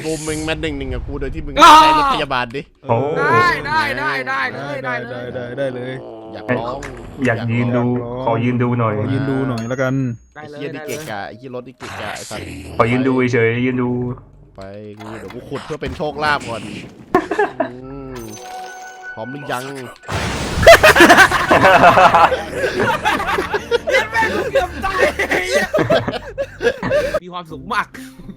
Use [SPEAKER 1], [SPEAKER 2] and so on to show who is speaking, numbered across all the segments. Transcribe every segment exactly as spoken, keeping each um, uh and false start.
[SPEAKER 1] บูมมึงมาหนึ่งหนึ่งกับกูโดยที่มึงใช้รถพยาบาลดิ
[SPEAKER 2] ได้ได้ได้ได้เลยได้เล
[SPEAKER 3] ได้
[SPEAKER 2] ย
[SPEAKER 3] ได้ได้เลย
[SPEAKER 1] อยากร้อง
[SPEAKER 4] อยากยืนดูขอยืนดูหน่อย
[SPEAKER 3] ขอยืนดูหน่อยแล้วกัน
[SPEAKER 2] ได้
[SPEAKER 1] ไอ้
[SPEAKER 2] เลย
[SPEAKER 1] เหี้ยนี่เกะกะไอ้เหี้ยรถนี่เกะกะไอ้สัตว์
[SPEAKER 4] ขอยืนดูเฉยๆยืนดู
[SPEAKER 1] ไปกูเดี๋ยวกูขุดเพื่อเป็นโชคลาภก่อนอืมพร้อมหรือยัง
[SPEAKER 2] เย็นแม่งเกือบตายมีความสุขมาก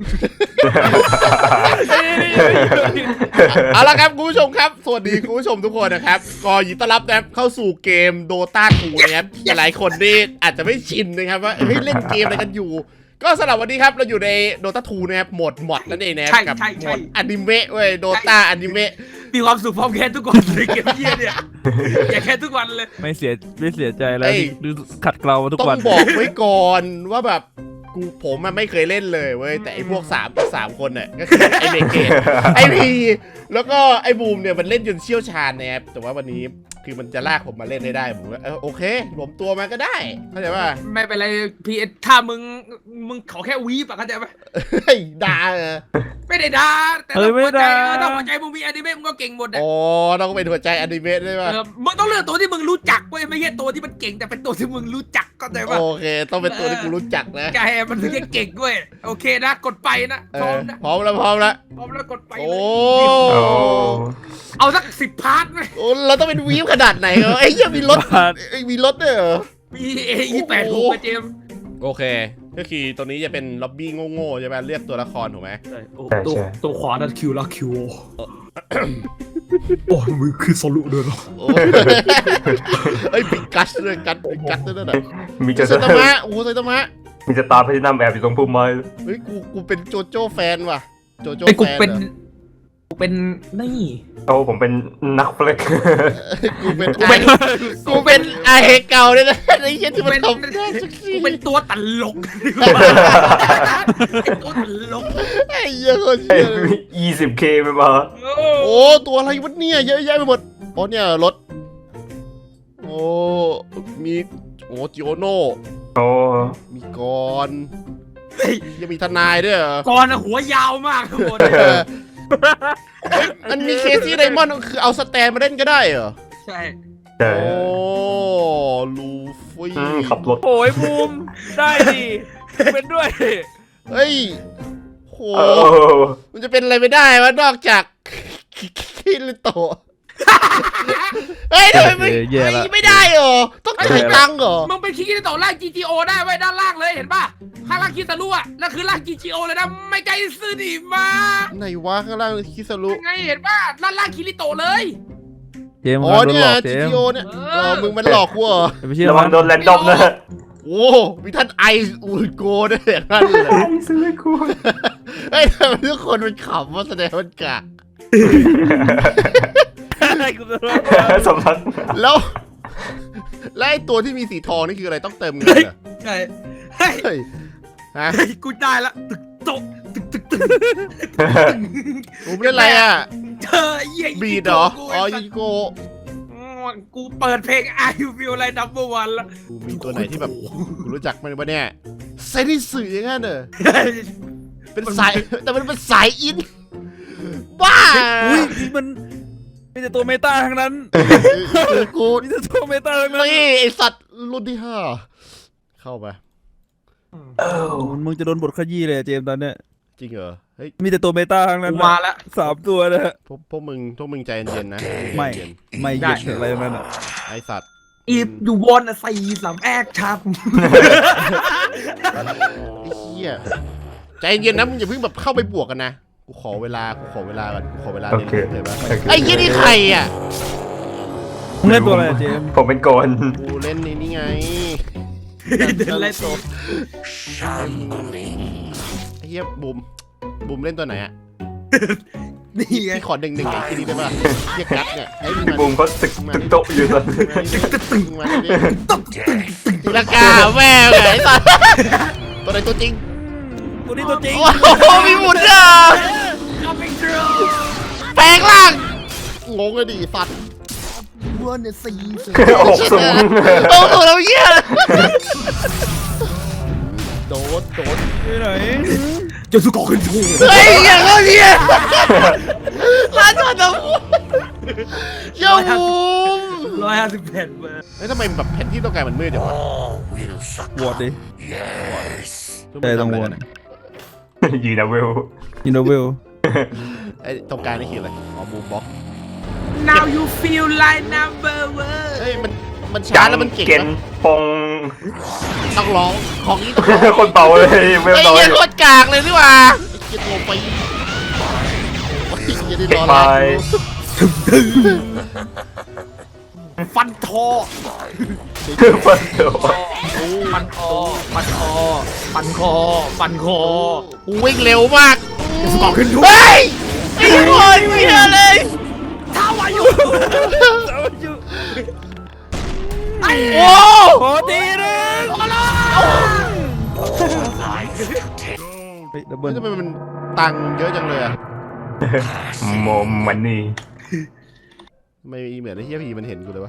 [SPEAKER 1] เอาละครับคุณผู้ชมครับสวัสดีคุณผู้ชมทุกคนนะครับก็ยินดีต้อนรับนะครับเข้าสู่เกม Dota ทูนะครับหลายคนนี่อาจจะไม่ชินนะครับว่าเฮ้ยเล่นเกมอะไรกันอยู่ก็สำหรับวันนี้ครับเราอยู่ใน Dota ทูนะครับโหมดมอดนั่นเองนะครับกับโหมดอนิเมะเว้ย Dota อนิเมะ
[SPEAKER 2] มีความสุขพร้อมแค่ทุกวันเลยเกมเยี่ยเนี่ยอย่าแค่ทุกวันเลย
[SPEAKER 3] ไม่เสียไม่เสียใจแล้วดูขัดเกลาทุก
[SPEAKER 1] ต้อ
[SPEAKER 3] วัน
[SPEAKER 1] งบอกไว้ก่อนว่าแบบกูผมมันไม่เคยเล่นเลยเว้ยแต่ไอพวกสามสามคนเนี่ยก็คือไอเบเกตไอพีแล้วก็ไอบูมเนี่ยมันเล่นจนเชี่ยวชาญนะครับแต่ว่าวันนี้คือมันจะลากผมมาเล่นได้ได้ผมว่าเออโอเครวมตัวมาก็ได้เข้าใจป่ะ
[SPEAKER 2] ไม่เป็นไรพีถ้ามึงมึงขอแค่วีปะเข้าใจปะ
[SPEAKER 1] เฮ้ยด่าเออ
[SPEAKER 2] ไม่ได้ด่าแต่ต้องหัวใจต้องหัวใจมึงมีอนิเมะมึงก็เก่งหมดอ่ะ
[SPEAKER 1] อ๋อต้องเป็นหัวใจอนิเมะได้ป่ะ
[SPEAKER 2] เออมึงต้องเลือกตัวที่มึงรู้จักเว้ยไม่ใช่ตัวที่มันเก่งแต่เป็นตัวที่มึงรู้จักเข้าใจปะ
[SPEAKER 1] โอเคต้องเป็นตัวที่กูรู้จักนะ
[SPEAKER 2] แกมันถึงจะเก่งเว้ยโอเคนะกดไปนะ
[SPEAKER 1] เอ
[SPEAKER 2] พร้อ
[SPEAKER 1] อ
[SPEAKER 2] มนะ
[SPEAKER 1] พร้อมแล้วพร้อมแล้ว
[SPEAKER 2] พร้อมแล้วกดไป
[SPEAKER 1] โอ้
[SPEAKER 2] เลย
[SPEAKER 4] โอ้
[SPEAKER 2] เอาสักสิบพาร์ทไหม
[SPEAKER 1] โอ้เราต้องเป็นวีฟขนาดไหนเหรอไอ้ยังมีรถไอ้มีรถด้วยเหรอ
[SPEAKER 2] มีเอยี่แปดหกเจม
[SPEAKER 1] โอเคก็คือตัวนี้จะเป็นล็อบบี้โง่ๆใช่ไหมเลือกตัวละครถูกไหม
[SPEAKER 4] ใช่
[SPEAKER 2] ตัว
[SPEAKER 4] ใช่
[SPEAKER 2] ตัวขวานั่นคิวละคิวโอ้มือคือสรุปเลยเหรอ
[SPEAKER 1] โอ้เอ้ยปิกัสด้วยกัสปิกัสด้วยนะ
[SPEAKER 4] มี
[SPEAKER 1] ไซ
[SPEAKER 4] จะ
[SPEAKER 1] ตามะโอ้ไซตามะ
[SPEAKER 4] มีจะตาร์แพทินัมแอบอยู่ตรงพุ่มไม้
[SPEAKER 1] เฮ้ยกูกูเป็นโจโจ้แฟนว่ะโจโจ้
[SPEAKER 2] ไอ้กู
[SPEAKER 1] แฟน
[SPEAKER 2] เป็น
[SPEAKER 1] เหรอ
[SPEAKER 2] กูเป็นนี่
[SPEAKER 4] โอ้ผมเป็นนักเฟล็ก
[SPEAKER 1] กูเป็น
[SPEAKER 2] กูเป็น
[SPEAKER 1] กูเป็นไอเก่าเนี่ยนะไอ้เหี้ยที่มันทำได้สักที
[SPEAKER 2] กูเป็นตัวตลกตัวตลก
[SPEAKER 1] ไอ้เหี้ยคนเชี่ยเลย
[SPEAKER 4] ยี่สิบเคไปมา
[SPEAKER 1] โอ้ตัวอะไรวะเนี่ยเยอะแยะไปหมดโอ้เนี่ยรถโอ้มีโอ้จิโอโน
[SPEAKER 4] โอ้
[SPEAKER 1] มีกรยังมีทนายด้วยเหรอ
[SPEAKER 2] ก่อนหัวยาวมากทุกคน
[SPEAKER 1] เออเฮ้ยมันมีเคซี่ไดมอนด์คือเอาสแตนมาเล่นก็ได้เหรอ
[SPEAKER 2] ใช่
[SPEAKER 4] ใช่
[SPEAKER 1] โอ้ลูฟี่
[SPEAKER 4] อืมขับรถ
[SPEAKER 3] โอ้ยบูมได้ดิเป็นด้วย
[SPEAKER 1] เฮ้ยโห
[SPEAKER 4] โอ้
[SPEAKER 1] มันจะเป็นอะไรไม่ได้วะนอกจากคิริโตะเฮ้ยทำไมไม่
[SPEAKER 3] แย่ละ
[SPEAKER 1] ไม่ได้เหรอต้องจ่ายตังค์เหรอ
[SPEAKER 2] มึงเป็นคิกิโตะล่าง จี จี โอ ได้ไว้ด้านล่างเลยเห็นป่ะข้างล่างคิสารุอ่ะนั่นคือล่าง จี จี โอ เลยนะไม่ไกลซื้อดีมา
[SPEAKER 1] ไหนวะข้างล่างคิสรุ
[SPEAKER 2] ไงเห็นป่ะด้านล่างคิริโตะเลย
[SPEAKER 3] เจมส์
[SPEAKER 1] อ๋อ
[SPEAKER 3] โดน
[SPEAKER 1] เนี่
[SPEAKER 3] หล
[SPEAKER 1] ย
[SPEAKER 3] อกเจ
[SPEAKER 1] จี
[SPEAKER 3] ม
[SPEAKER 1] ที
[SPEAKER 3] ส์
[SPEAKER 1] โอเนี่ยเออมึงมันหลอกกูเหรอ
[SPEAKER 3] ไม่เชื่อ
[SPEAKER 4] ระวังโดนแรนดอมนะ
[SPEAKER 1] โอ้มีท่านไออูดโกด้วยอย่างนั้นเลย
[SPEAKER 4] ซื้อกู
[SPEAKER 1] เฮ้ยทำไมทุกคนมันขำว่าแสดงมันกะ
[SPEAKER 3] กูจะรอด
[SPEAKER 4] สำนัก
[SPEAKER 1] แล้วแล้วไอ้ตัวที่มีสีทองนี่คืออะไรต้องเติมเงินเหรอ
[SPEAKER 2] ใช่เฮ้ย
[SPEAKER 1] เฮ้ยฮะ
[SPEAKER 2] เฮ้ยกูได้ละตึกโตะตึกตึกตึก
[SPEAKER 1] ผมเล่นอะไรอ่ะ
[SPEAKER 2] เธอเยี่ย
[SPEAKER 1] บีดเหรออ๋อยิโก
[SPEAKER 2] กูเปิดเพลง I Feel Like Number One ละ
[SPEAKER 1] กูมีตัวไหนที่แบบกูรู้จักมันปะเนี่ยเซนิสึอย่างนั้นเหรอเป็นสายแต่มันเป็นสายอินบ้า
[SPEAKER 3] อุ้ยนี่มันมีแต่ตัวเมตาทั้งนั้น
[SPEAKER 1] คือกู
[SPEAKER 3] มีแต่ตัวเมตาทั้งนั้น
[SPEAKER 1] นี่ไอสัตว์รุ่นที่ห้าเข้าไป
[SPEAKER 3] มึงจะโดนบทขยี้เลยเจมส์ตอนเนี้ย
[SPEAKER 1] จริงเหรอเฮ้ย
[SPEAKER 3] มีแต่ตัวเมตาทั้งนั้น
[SPEAKER 2] กูมาละ
[SPEAKER 3] สามตัวนะฮะ
[SPEAKER 1] พวกพวกมึงพวกมึงใจเย็นๆนะ
[SPEAKER 3] ไม่
[SPEAKER 1] ใจเย็น
[SPEAKER 3] ไม่เย็นอะไรทั้งนั้นอ่ะ
[SPEAKER 1] ไอสัตว์
[SPEAKER 2] อีฟอยู่วนอะสี่สามแอกชับ
[SPEAKER 1] ไอ้เหี้ยใจเย็นนะมึงอย่าเพิ่งแบบเข้าไปบวกกันนะกูขอเวลากูขอเวลาก่อนกูขอเวลา
[SPEAKER 4] โอ
[SPEAKER 1] เรียน
[SPEAKER 4] เค
[SPEAKER 1] รู้เลยปะไอ้เหี้ยนี่ใครอ่ะ
[SPEAKER 3] มึงเล่นตัวอะไรอะเจมส์
[SPEAKER 4] ผมเป็นโกน
[SPEAKER 1] กูเล่นนี่นี่ไง
[SPEAKER 2] เดินไล่ตัว
[SPEAKER 1] ไอ้เหี้ยบูมบูมเล่นตัวไหนอ่ะ
[SPEAKER 2] นี่ไง
[SPEAKER 1] พี่ขอหนึ่งหนึ่งไอ้ที่นี่ได้ป่ะเหี้ยกัดเนี่ยไอ้มึง
[SPEAKER 4] พี่
[SPEAKER 1] มา
[SPEAKER 4] บูมเขาตึกตึกโต๊ะอยู่ตอนนี้
[SPEAKER 1] ตึงมาดิตีลังกาแม่งไอ้สัตว์ตัวไหนตัวจริง
[SPEAKER 3] ตัวนี้ตัวจริง
[SPEAKER 1] โอ้โหมีหมุนอ่ะ
[SPEAKER 2] Coming through
[SPEAKER 1] แปลงร่างงงเลยดิสัตว์
[SPEAKER 2] วนอะสี่
[SPEAKER 4] อกสูง
[SPEAKER 1] โอ้โหเราเหี้ยโดดโดด
[SPEAKER 3] ไปไหน
[SPEAKER 2] จะสุกขึ้นทู
[SPEAKER 1] เฮ้ยอย่างเงี้ยร้านจอดน้ำพุเชี่ยวบูม
[SPEAKER 2] ร้อยห้าสิบแผ่นเบอร์
[SPEAKER 1] เฮ้ยทำไมแบบแผนที่ต้องการมันมืดจังวะ
[SPEAKER 3] วอดดิแต่ต้องวอด
[SPEAKER 4] ยีนาเวล
[SPEAKER 3] อินโนเวล
[SPEAKER 1] ไอ้ตรงกลางนี่คืออะไรอ๋อบูมบ็อก
[SPEAKER 2] now you feel like number one
[SPEAKER 1] เฮ้ยมันมันช้าแล้วมันเก่ง
[SPEAKER 4] เกน
[SPEAKER 1] นะ
[SPEAKER 4] ปง
[SPEAKER 1] ต้องร้องของนี้ต้องร้อง
[SPEAKER 4] คนเป่าเลยเวล
[SPEAKER 1] ไอ้
[SPEAKER 4] น้อย
[SPEAKER 1] เหี้ยโคตรกากเลยนี่หว่าไอ้เหี้ยโทรไปโอ้ยเหี้ยได้รอ
[SPEAKER 4] ไป
[SPEAKER 1] แล้ว
[SPEAKER 2] ฟันทอ
[SPEAKER 4] ฟันเดียว
[SPEAKER 2] ฟันคอฟันคอฟันคอฟันคอ
[SPEAKER 1] วิ่งเร็วมาก
[SPEAKER 2] สมองขึ้นทุก
[SPEAKER 1] เฮ้ยไอ้คนเหี้ยเลย
[SPEAKER 2] เท้าอายุ
[SPEAKER 1] โอ้
[SPEAKER 3] โอ้ตีนึง
[SPEAKER 2] โอ้โห
[SPEAKER 3] เฮ้ยดับเบิ
[SPEAKER 1] เฮ้
[SPEAKER 3] ล
[SPEAKER 1] ยทำไมมันตังค์เยอะจังเลยอะ
[SPEAKER 4] โมมันนี่
[SPEAKER 1] ทำไมเหมือนไอ้เหี้ยพีมันเห็นกูเลยวะ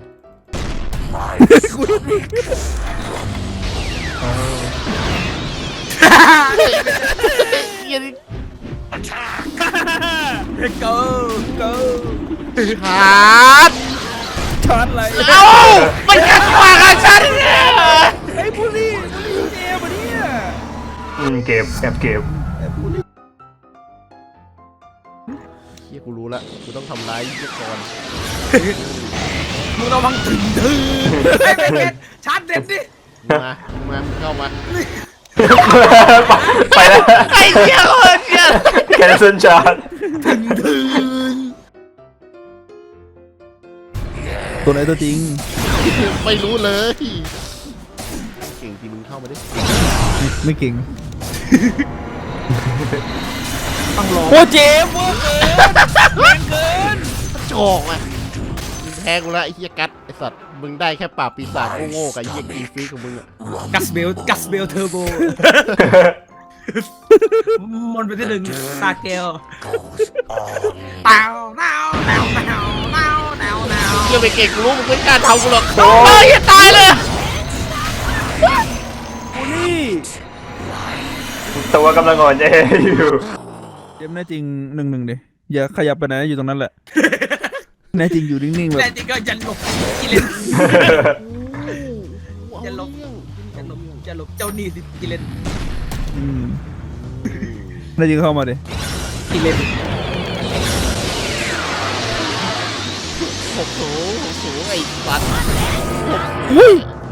[SPEAKER 1] เหี้ยนี่
[SPEAKER 2] เกิร์เกิร์
[SPEAKER 1] ขาด
[SPEAKER 3] ชาร์จอะไร
[SPEAKER 1] เอ้ามันกัดปากกับฉันเนี่ย
[SPEAKER 3] ไอ้บุรีบุรีเจมาเนี่ย
[SPEAKER 4] อืมเก็บแอบเก็บ
[SPEAKER 1] เฮียกูรู้ละกูต้องทำร้ายยุกร
[SPEAKER 2] มึงระวังถึงถึงไอ้เด็กชาร์จเด็ดดิ
[SPEAKER 1] มามาเข้ามา
[SPEAKER 4] ไปแล้ว
[SPEAKER 1] ไอ้เหี้ยคนเหี้ย
[SPEAKER 4] แคนเซิลชาร์จ
[SPEAKER 3] ตัวไหนตัวจริง
[SPEAKER 1] ไม่รู้เลยเก่งจริงมึงเข้ามาดิ
[SPEAKER 3] ไม่เก่ง
[SPEAKER 2] ต้องรอ
[SPEAKER 3] โอ้เจมเวอร์เกินแรงเกิน
[SPEAKER 1] โจกอ่ะมึงแพ้กูละไอ้เหี้ยกัดไอ้สัตว์มึงได้แค่ปราบปีศาจโง่ๆกับไอ้เหี้ยกีฟีของมึงอ่ะ
[SPEAKER 2] กัสเบลกัสเบลเทอร์โบมันไปที่หนึ่งตาเกลเต่าเต่าเต่าเต่าเต่าเต่าเต่า
[SPEAKER 1] เหี้ยไปเก่งกูรู้มึงไม่กล้าทำกูหรอกเฮ้ยอย่าตายเลย
[SPEAKER 3] บุรี
[SPEAKER 4] ตัวกำลังอ่อนแออยู่
[SPEAKER 3] เจมแน่จริงหนึ่งหนึ่งดิอย่าขยับไปไหนอยู่ตรงนั้นแหละแน่จริงอยู่นิ่งๆแบ
[SPEAKER 2] แต่
[SPEAKER 3] บ
[SPEAKER 2] จริงก็ยันหลบกิเลนยันหลบยันหลบยันหลบเจ้าหนี้สิกิเลน
[SPEAKER 3] อืมแน่จริงเข้ามาดิ
[SPEAKER 2] กิเลน
[SPEAKER 1] โอ้โหโอ้โหไอ้สัตว์
[SPEAKER 3] อุ้ย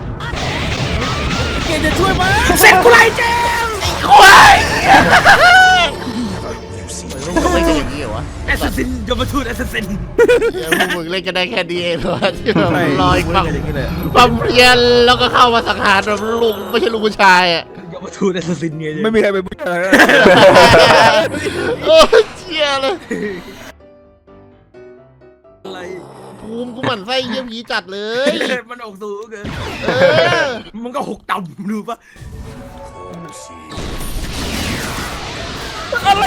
[SPEAKER 3] เกจะช่วยมั้ย
[SPEAKER 2] เสร็จกูไรเจม
[SPEAKER 1] ควายทำไมเป็นอย่างนี้เหรอวะ
[SPEAKER 2] แอสซัสซินยมทูตแอสซัสซิน
[SPEAKER 1] เดี๋ยวพวกมึงเล่นกันได้แค่ดีเองเหรอที่แบบ
[SPEAKER 3] ไม่
[SPEAKER 1] ลอยความ
[SPEAKER 3] อย่างนี้เลย
[SPEAKER 1] ความเพียรแล้วก็เข้ามาสังหารแบบลูกไม่ใช่ลูกผู้ชายอ่ะ
[SPEAKER 2] ยมทูตแอสซัสซินไง
[SPEAKER 3] ไม่มีใครไปพูดอะไร
[SPEAKER 1] โอ้เชี่ยเลย
[SPEAKER 2] อะไร
[SPEAKER 1] ภูมิกูหมั่นไส้เยี่ยมยีจัดเลย
[SPEAKER 2] มันออกสูงเกิน
[SPEAKER 1] เออ
[SPEAKER 2] มันก็หกต่ำดูปะ
[SPEAKER 3] อะไร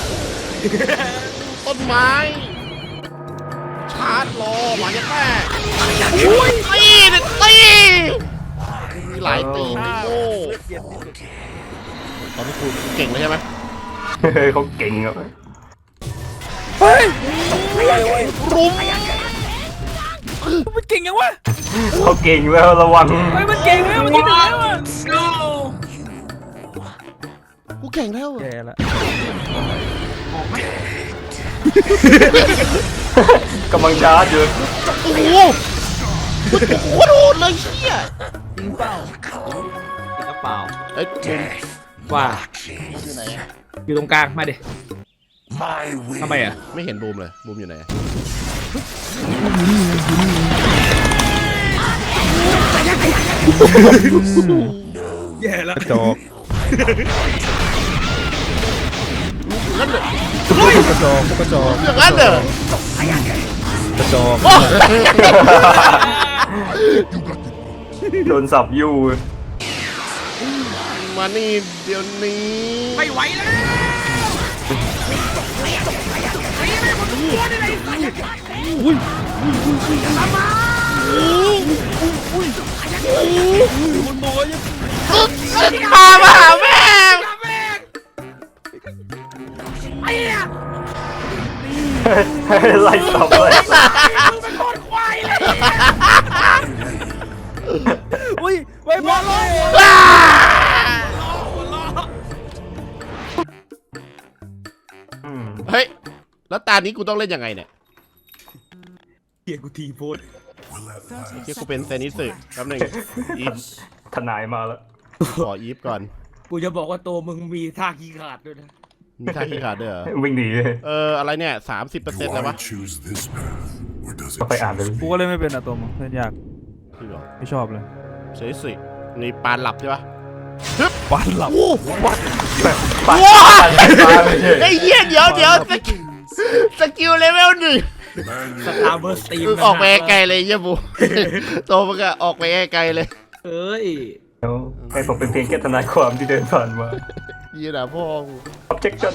[SPEAKER 1] ต้นไม้ชาร์จรอหมาจะแม่อุ้ยตีตีมีหลายตีนโง่ตอนนี้กูเก่งเลยใช่ไหม
[SPEAKER 4] เขาเก่งอ่ะ
[SPEAKER 3] เฮ้ย
[SPEAKER 1] รุม
[SPEAKER 3] มันเก่งยังวะ
[SPEAKER 4] เขาเก่งแล้วระวัง
[SPEAKER 3] เฮ้ยมันเก่งแล้วมันยิงได้แล้วอะ
[SPEAKER 1] กูเก่งแล้ว
[SPEAKER 3] แย่ละ
[SPEAKER 4] กำลังชาร์จอยู่
[SPEAKER 1] โอ้โหโคตรโหดเลยเชี่ย
[SPEAKER 3] จริงเปล่า
[SPEAKER 2] ติดกระเป๋า
[SPEAKER 1] เอ้ยมุม
[SPEAKER 2] ว่า
[SPEAKER 1] อยู่ไหนอะ
[SPEAKER 2] อยู่ตรงกลางมาดิทำไมอ่ะ
[SPEAKER 1] ไม่เห็นบูมเลยบูมอยู่ไหนอะ
[SPEAKER 2] แย่แล้ว
[SPEAKER 3] กระจอก
[SPEAKER 1] งั้นเหรอก
[SPEAKER 3] ระจอกกระจอก
[SPEAKER 1] อย่างนั้นเหรอก
[SPEAKER 3] ระจอก
[SPEAKER 1] โอ้
[SPEAKER 4] โดนสับอยู่
[SPEAKER 1] มานี่เดี๋ยวนี้
[SPEAKER 2] ไม่ไหวแล้วมันบอกว่ายัง
[SPEAKER 1] พามาหาแม่
[SPEAKER 2] แม่งไอ้เนี่ย
[SPEAKER 4] ไล่สับเลย
[SPEAKER 3] อุ้ยไว้บอลเลย
[SPEAKER 4] อืม
[SPEAKER 1] เฮ้ย แล้วตานี้กูต้องเล่นยังไงเนี่ย
[SPEAKER 2] เฮียกูทีโพส
[SPEAKER 1] เฮียกูเป็นเซนิสึแป๊บหนึงอีฟ
[SPEAKER 4] ทนายมาแล้ว
[SPEAKER 1] ขออีฟก่อน
[SPEAKER 2] กูจะบอกว่าตัวมึงมีท่าขี้ขาดด้วยนะ
[SPEAKER 1] มีท่าขี้ขาดด้วยเหรอ
[SPEAKER 4] วิ่งหนี
[SPEAKER 1] เออ อะไรเนี่ยสามสิบเปอร์เซ็นต์
[SPEAKER 5] Do
[SPEAKER 1] แล้ว
[SPEAKER 5] I
[SPEAKER 1] วะ
[SPEAKER 5] choose this path, or does
[SPEAKER 4] ก็
[SPEAKER 5] it
[SPEAKER 4] ไปอ่านเลย
[SPEAKER 3] กูก็เล่นไม่เป็นอะตัวมึงเล่นยาก
[SPEAKER 1] จริงเหรอ
[SPEAKER 3] ไม่ชอบเลย
[SPEAKER 1] เซนิสึนี่ปานหลับใช่ปะ
[SPEAKER 3] บอลหลับ
[SPEAKER 1] โอ้
[SPEAKER 4] ปัด
[SPEAKER 1] ว้า
[SPEAKER 4] ปัดปัดไม่ใช่
[SPEAKER 1] ไอ้เหี้ยเดี๋ยวเดี๋ยวสกิลสกิลเลเวลหนึ่ง
[SPEAKER 5] man
[SPEAKER 2] สตาร์เบอร์สตีม
[SPEAKER 1] ออกไปไกลเลยเยี่ยบูโตมึงอะออกไปไกลเลย
[SPEAKER 2] เอ้ย
[SPEAKER 4] ให้ผมเป็นเพียงแค่ทนายความที่เดินผ่านมา
[SPEAKER 1] ยี่หนาพ่อกู
[SPEAKER 4] objection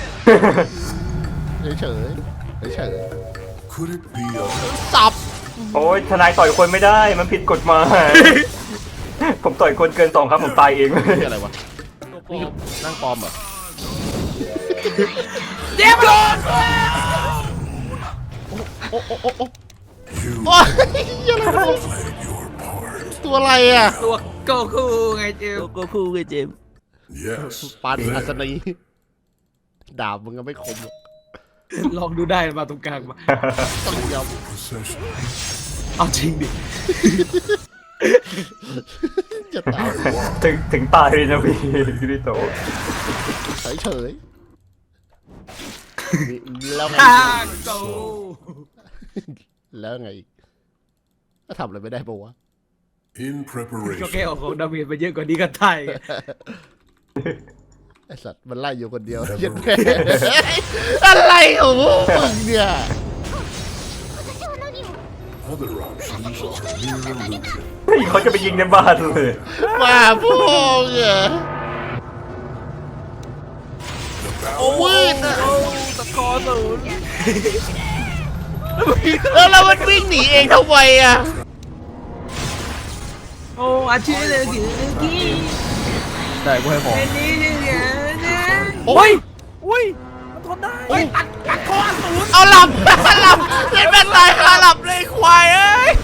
[SPEAKER 1] เฉยเฉยเฉย
[SPEAKER 5] could it be a
[SPEAKER 1] ๆสับ
[SPEAKER 4] โอ้ยทนายต่อยคนไม่ได้มันผิดกฎหมาย ผมต่อยคนเกินสองครับผมตายเอง
[SPEAKER 1] นี่อะไรวะ
[SPEAKER 2] ตัวปลอม
[SPEAKER 1] นั่งปลอมเหรอ
[SPEAKER 2] เจ็บโดน
[SPEAKER 1] โอ้โอ้โอ้โอ้
[SPEAKER 5] you
[SPEAKER 1] โอ้ยเหี้ยอะไรวะ
[SPEAKER 5] played your part?
[SPEAKER 1] ตัวอะไรอะ
[SPEAKER 2] ตัวโกคูไงเจม
[SPEAKER 3] ก็คู่ไงเจม
[SPEAKER 5] Yes.
[SPEAKER 1] ปานอัศ
[SPEAKER 5] There.
[SPEAKER 1] นีดาบมึงก็ไม่คมหรอก
[SPEAKER 2] ลองดูได้มาตรงกลางมา
[SPEAKER 1] ต้องยอม
[SPEAKER 5] Procession.
[SPEAKER 2] เอาจริงดิ
[SPEAKER 1] จะตาย
[SPEAKER 4] ถึงถึงตายเลยนะพี่คิริโตะ
[SPEAKER 1] เฉยเฉยแล้วไง
[SPEAKER 2] ท่าโก
[SPEAKER 1] แล้วไงอีกก็ทำอะไรไม่ได้ปะวะ
[SPEAKER 5] In
[SPEAKER 2] ก็แค่
[SPEAKER 5] preparation.
[SPEAKER 2] เอาของดาเมจไปเยอะกว่านี้ก็ไทย
[SPEAKER 1] ไอสัตว์มันไล่อยู่คนเดียวเหี้ยันแม่อะไรของพวกมึงเนี่ย
[SPEAKER 5] Other options are mere illusion.
[SPEAKER 4] เฮ้ยเขาจะไปยิงในบ้านเลย
[SPEAKER 1] มาพวกเนี่ยโอ้ยนะ
[SPEAKER 3] ตะกอศูนย์
[SPEAKER 1] แล้วเรามันวิ่งหนีเองทำไมอ่ะ
[SPEAKER 2] โอ้อาชีพเลยกี่กี่
[SPEAKER 3] ได้กูให้ของ
[SPEAKER 2] เป็นนี่เนี่ยนะ
[SPEAKER 1] โอ้ย
[SPEAKER 3] อุ้ยมันทนได้
[SPEAKER 2] เฮ้ยตัดตัดคอศูนย์
[SPEAKER 1] เอาหลับหลับเล่นแม่งตายคาหลับเลยควายเอ้ย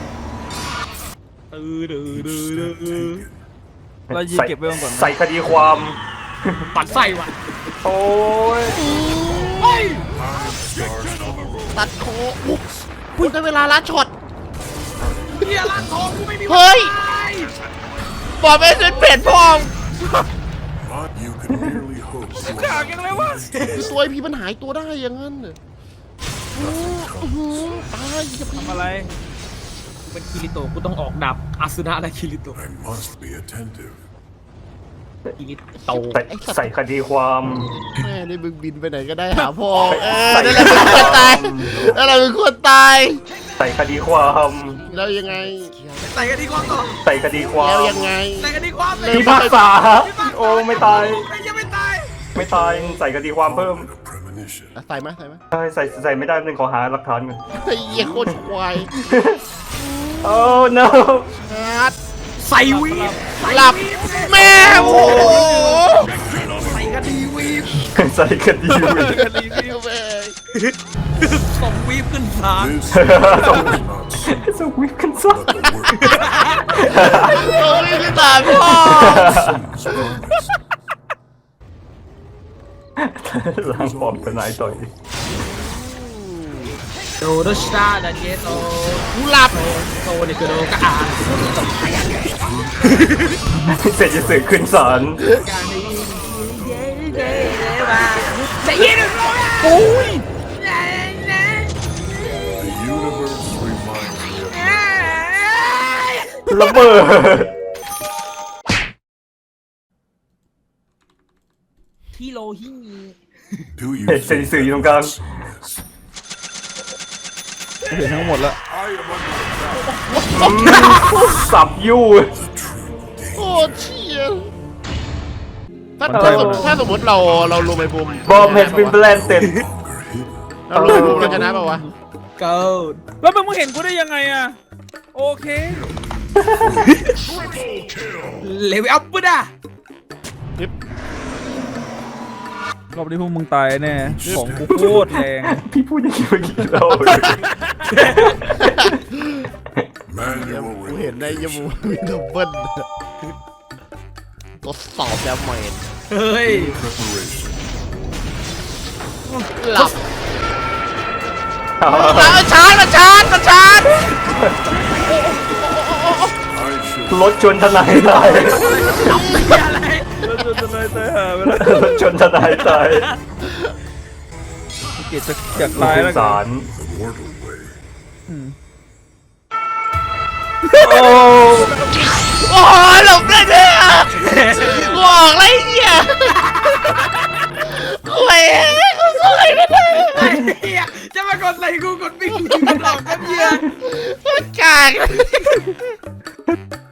[SPEAKER 2] ตื้อดื้อดื้อดื้อ
[SPEAKER 3] เรายิงเก็บไว้ก่อนนะ
[SPEAKER 4] ใส่คดีความ
[SPEAKER 2] ปัดไส้ว่ะ
[SPEAKER 4] โอ้ย
[SPEAKER 2] เฮ้ย
[SPEAKER 1] ตัดคออุ๊ยพูดได้เวลาลัดช็อต
[SPEAKER 2] เฮียร้านทองกูไม่มี
[SPEAKER 1] เฮ้ย
[SPEAKER 2] วันตาย
[SPEAKER 1] บอกไม่เป็นเป็ดพ่อม
[SPEAKER 5] Not you can merely hope to
[SPEAKER 2] ด่ากันเลยวะ
[SPEAKER 1] คือตัวไอพีมันหายตัวได้อย่างนั้นเหรออื้อหือตายอย่าไป
[SPEAKER 3] ทำอะไร
[SPEAKER 2] กูเป็นคิริโตะกูต้องออกดับอาสุนะและคิริโตะ
[SPEAKER 5] I must be attentive.
[SPEAKER 2] คิริโตะ
[SPEAKER 4] ใส่ใส่คดีความ
[SPEAKER 1] แม่ได้มึงบินไปไหนก็ได้หาพ่อเออนั่นแหละมึงควรตายนั่นแหละมึงควรตาย
[SPEAKER 4] ใส่คดีความ
[SPEAKER 1] แล้วยังไง
[SPEAKER 2] ใส่กันดีกว่าต่อ
[SPEAKER 4] ใส่คดีควา
[SPEAKER 1] แล้ว
[SPEAKER 4] ม
[SPEAKER 1] ยังไง
[SPEAKER 2] ใส่กันดีกว่าเลย
[SPEAKER 4] พิพากษาโอ้ไม่ตาย
[SPEAKER 2] ไม่ยังไม่ตาย
[SPEAKER 4] ไม่ตายใส่คดีความเพิ่ม
[SPEAKER 5] Moment of premonition.
[SPEAKER 1] อ่ะใส่ไหมใส่ไหม
[SPEAKER 4] ใช่ใส่ใส่ไม่ได้นึงขอหาหลักฐานก่อน
[SPEAKER 1] ไอ้เหี้ยโคตรควาย
[SPEAKER 4] โอ้ no
[SPEAKER 1] ฮาร์ด
[SPEAKER 2] ใส่วีบ
[SPEAKER 1] หลับแม่โอ้โห
[SPEAKER 2] ใส่กันดีวีบ
[SPEAKER 4] ใส่คดี
[SPEAKER 1] กันดีพี่แม่
[SPEAKER 2] ส่งวีบขึ้นศาล
[SPEAKER 5] This is not simple,
[SPEAKER 4] สวิฟกันซะ
[SPEAKER 5] but the work
[SPEAKER 1] โอ้ยพี่ตายพ่อ
[SPEAKER 5] is promised.
[SPEAKER 4] ล้างปลอมทนายต่อย
[SPEAKER 2] โดโดชตาดาเจโต
[SPEAKER 1] กูหลับ
[SPEAKER 2] โตเนี่ยคือโดกะอา
[SPEAKER 4] เสร็จจะสื่อขึ้นศาล
[SPEAKER 2] การนี้เย้เย้เย้มาจะยินหรือไม่โอ้ย
[SPEAKER 5] The universe reminds me of
[SPEAKER 4] ระเบิด
[SPEAKER 2] ฮิโรฮิ
[SPEAKER 5] Do you
[SPEAKER 4] เสร็จ
[SPEAKER 5] think
[SPEAKER 4] สื่ออยู่ตรงกลาง
[SPEAKER 5] this mess?
[SPEAKER 3] เห็นทั้งหมดแล้ว
[SPEAKER 5] I am under
[SPEAKER 4] สับยู่
[SPEAKER 5] the true danger.
[SPEAKER 1] โอ้เชี่ยถ้าถ้าสมมติถ้าสมมติเราเราลงไปบุม
[SPEAKER 4] บอมเฮดบินแบลนเต็ด
[SPEAKER 5] Longer hidden.
[SPEAKER 1] เราลงไปบุมเราชนะป่าวะ
[SPEAKER 2] เกิด
[SPEAKER 3] แล้วมึงเห็นกูได้ยังไงอะโอเค
[SPEAKER 2] เลเวลอัพปุ๊ดอ่ะ
[SPEAKER 1] นิบ
[SPEAKER 3] รอบนี้พวกมึงตายแน่ของกูโคตรแรง
[SPEAKER 4] พี่พูดอย่างนี้เมื่อกี้เรา
[SPEAKER 5] Manual
[SPEAKER 1] กูเห็นในยมูมีดับเบิ้ลทดสอบแล้วเมน
[SPEAKER 2] เฮ้ย
[SPEAKER 5] preparation.
[SPEAKER 1] หลับเอาชาร์จมาชาร์จมาชาร์จ
[SPEAKER 5] I shall
[SPEAKER 4] รถชนทนายตาย
[SPEAKER 2] อะไร
[SPEAKER 3] แล้วจะจะเลยตายหาไปแล้ว
[SPEAKER 4] รถชนทนายตาย
[SPEAKER 3] เกตจะอยากตายแล้ว
[SPEAKER 4] ส
[SPEAKER 3] กัน
[SPEAKER 4] าร
[SPEAKER 5] the mortal way.
[SPEAKER 4] โอ้
[SPEAKER 1] โอ้ยหลบได้เนี่ยบอกอะไรเหี้ยคุยกูสวยไม่ได้
[SPEAKER 2] ไอ้เหี้ยจะมากดอะไรกูกดปิ้งหลอกกันเหี้ย
[SPEAKER 1] มันกาก